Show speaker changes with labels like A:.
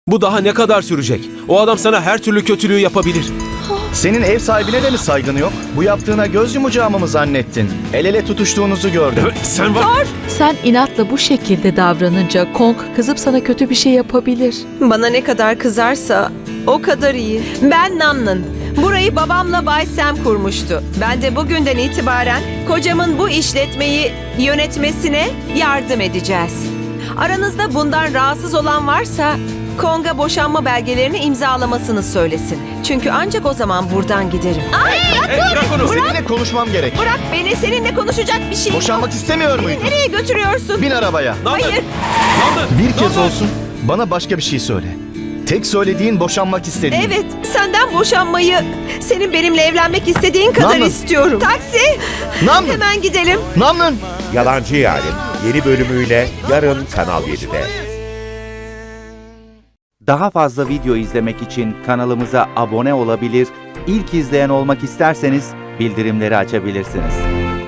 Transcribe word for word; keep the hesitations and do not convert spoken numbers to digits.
A: Bu daha ne kadar sürecek? O adam sana her türlü kötülüğü yapabilir.
B: Senin ev sahibine de mi saygın yok? Bu yaptığına göz yumacağımı mı zannettin? El ele tutuştuğunuzu gördüm.
A: Sen var...
C: Sen inatla bu şekilde davranınca Kong kızıp sana kötü bir şey yapabilir.
D: Bana ne kadar kızarsa o kadar iyi. Ben Namnın. Burayı babamla Bay Sam kurmuştu. Ben de bugünden itibaren kocamın bu işletmeyi yönetmesine yardım edeceğiz. Aranızda bundan rahatsız olan varsa Kong'a boşanma belgelerini imzalamasını söylesin. Çünkü ancak o zaman buradan giderim. Ay,
A: Hey, bırak onu.
B: Seninle konuşmam gerek.
D: bırak beni, seninle konuşacak bir şey yok.
B: Boşanmak istemiyor muydun?
D: Nereye götürüyorsun?
B: Bin arabaya.
D: Hayır.
A: Nandın,
B: Bir kez
A: Nandın.
B: olsun bana başka bir şey söyle. Tek söylediğin boşanmak istediğin.
D: Evet, senden boşanmayı, senin benimle evlenmek istediğin kadar
B: Namlın.
D: istiyorum. Taksi!
B: Namlın.
D: Hemen gidelim.
B: Namlın.
E: Yalancı Yarim yeni bölümüyle yarın Kanal yedide. Daha fazla video izlemek için kanalımıza abone olabilir, ilk izleyen olmak isterseniz bildirimleri açabilirsiniz.